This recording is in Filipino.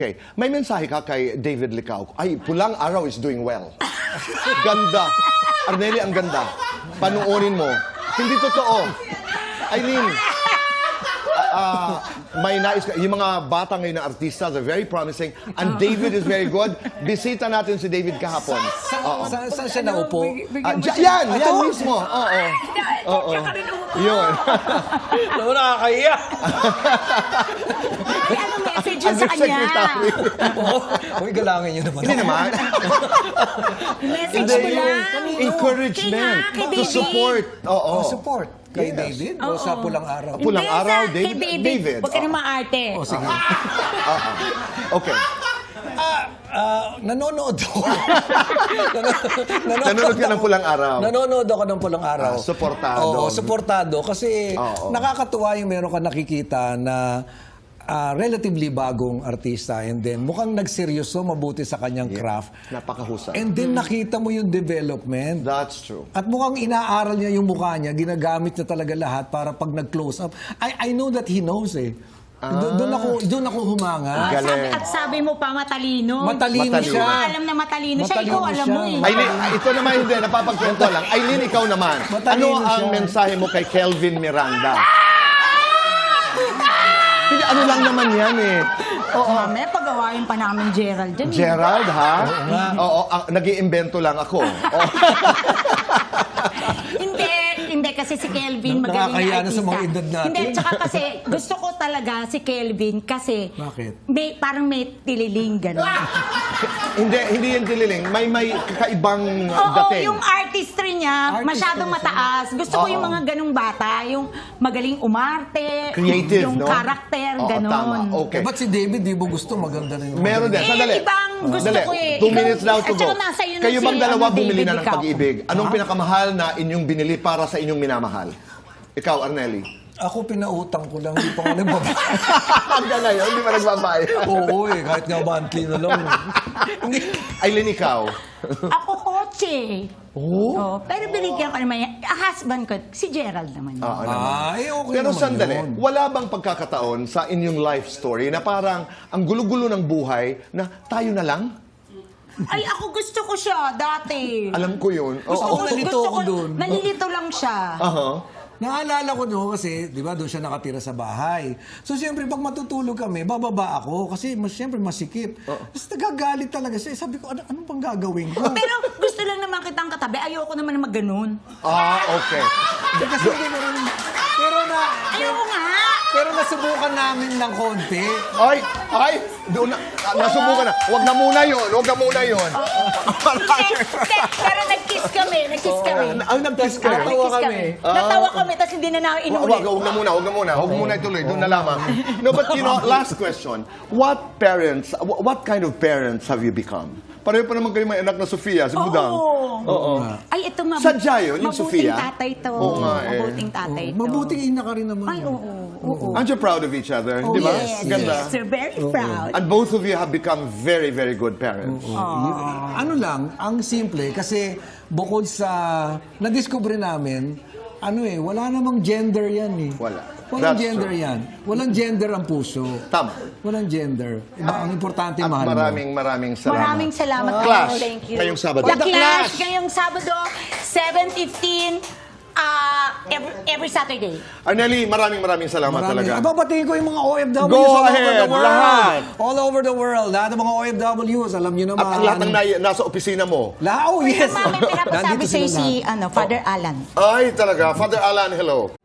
Okay, may mensahe ka kay David Licao. Ay, Pulang Araw is doing well. Ganda. Arnelli, ang ganda. Panuonin mo. Hindi totoo. Eileen, may nais ka. Yung mga bata ngayon na artista, they're very promising. And David is very good. Bisita natin si David kahapon. Saan siya naupo? Yan mismo. Oo. Yun. Ano, nakakahiya. Ay, anong message yun sa kanya? Secretary. Uy, galangin niyo naman. Hindi naman. Message mo lang. Encouragement. Kay To support. Oo. Support. Kay Yes. David o sa Pulang Araw? Pulang Hindi, Araw, kay David. Huwag ka na maarte. O sige. Okay. Nanonood ako. Nanonood ka ng Pulang Araw. Nanonood ako ng Pulang Araw. Suportado. Oo, suportado. Kasi Oo. nakakatuwa yung meron ka nakikita na relatively bagong artista and then mukhang nagseryoso, mabuti sa kanyang craft. Napakahusay. And then nakita mo yung development. That's true. At mukhang inaaral niya yung mukha niya, ginagamit niya talaga lahat para pag nag-close up. I know that he knows eh. Doon ako humanga. Galing. At sabi mo pa, matalino. Matalino Hindi siya. mo alam na matalino siya. Matalino Ikaw alam siya. mo eh. Aileen, ito naman hindi, napapagkwento lang. Aileen, ikaw naman. Matalino Ano ang siya. mensahe mo kay Kelvin Miranda? Hindi, ano lang naman yan eh. Oo. May pagawain pa namin Gerald dyan. Gerald, ha? Oo, nag-iimbento lang ako. Oo. Hindi kasi si Kelvin magaling Nakakahiya na na artista. sa mga edad natin. Hindi, tsaka kasi gusto ko talaga si Kelvin kasi Bakit? parang may tililing gano'n. Hindi yung tililing. May kakaibang Oo, dating. yung artistry niya, Artistry masyadong siya. mataas. Gusto ko yung Oo. mga ganong bata, yung magaling umarte, Creative, yung no? karakter, Oo, ganon. tama. Okay. Ba't si David, di mo gusto? Maganda rin. Meron din. Sandali. ibang gusto Sandali. ko eh. 2 minutes now to At go. saka nasa iyo na Kayo si, bang dalawa ano, bumili David na ng Licao? pag-ibig? Anong pinakamahal na inyong binili para sa inyong minamahal? Ikaw, Arnelli. Ako pinautang ko lang, hindi pa nga nagbabayad. Hanggang ngayon, hindi pa nagbabayad. Oo eh, kahit nga monthly na lang. Aileen, ikaw. Ako kotse. Oo. Pero binigyan ko naman yan. Husband ko, si Gerald naman. yun. Oo naman. Okay Pero naman sandali, yun. wala bang pagkakataon sa inyong life story na parang ang gulo-gulo ng buhay na tayo na lang? Ay, ako gusto ko siya dati. Alam ko yun. Gusto Oo. ko, nalito gusto ako ko, dun. nalilito lang siya. Aha. Naalala ko no kasi, di ba, doon siya nakatira sa bahay. So, siyempre, pag matutulog kami, bababa ako kasi siyempre masikip. Tapos nagagalit talaga siya. Sabi ko, anong pang gagawin ko? Pero gusto lang naman kitang katabi. Ayoko naman na mag-ganon. Okay. Kasi hindi mo rin... Ayoko nga. Pero nasubukan namin ng konti. Ay, doon na, nasubukan na. Huwag na muna yun, huwag na muna yun. Pero nag-kiss kami. Ang nag-kiss kayo? Natawa kami. Natawa kami, tapos hindi na namin inulit. Huwag na muna. Huwag muna ituloy. Doon na lamang. No, but you know, last question. What kind of parents have you become? Pareho pa naman kayo may anak na Sofia, si Budang. Oo. Ay, ito Sadya yun, yung Sofia? Mabuting tatay to. Oo nga eh. Mabuting tatay to. Mabuting ina ka rin naman. Ay, oo. Aren't you proud of each other? Di ba? Yes, Ganda. yes. We're very proud. And both of you have become very, very good parents. Ano lang, ang simple, kasi bukod sa na-discover namin, wala namang gender yan eh. Wala. Walang That's gender true. yan. Walang gender ang puso. Tama. Walang gender. Ang importante, At mahal mo. maraming salamat. Maraming salamat. Clash, Thank you. ngayong Sabado. The The Clash, ngayong Sabado, 7:15, every Saturday. Arnelli, maraming salamat talaga. Babatiin ko yung mga OFWs Go all over ahead, the world. lahat. All over the world. Lahat ng mga OFWs, alam nyo naman. At ang lahat ng nasa opisina mo. Oh, yes. Mami, pinapasabi Nandito sa'yo sila si lahat. Father Alan. Ay, talaga. Father Alan, hello.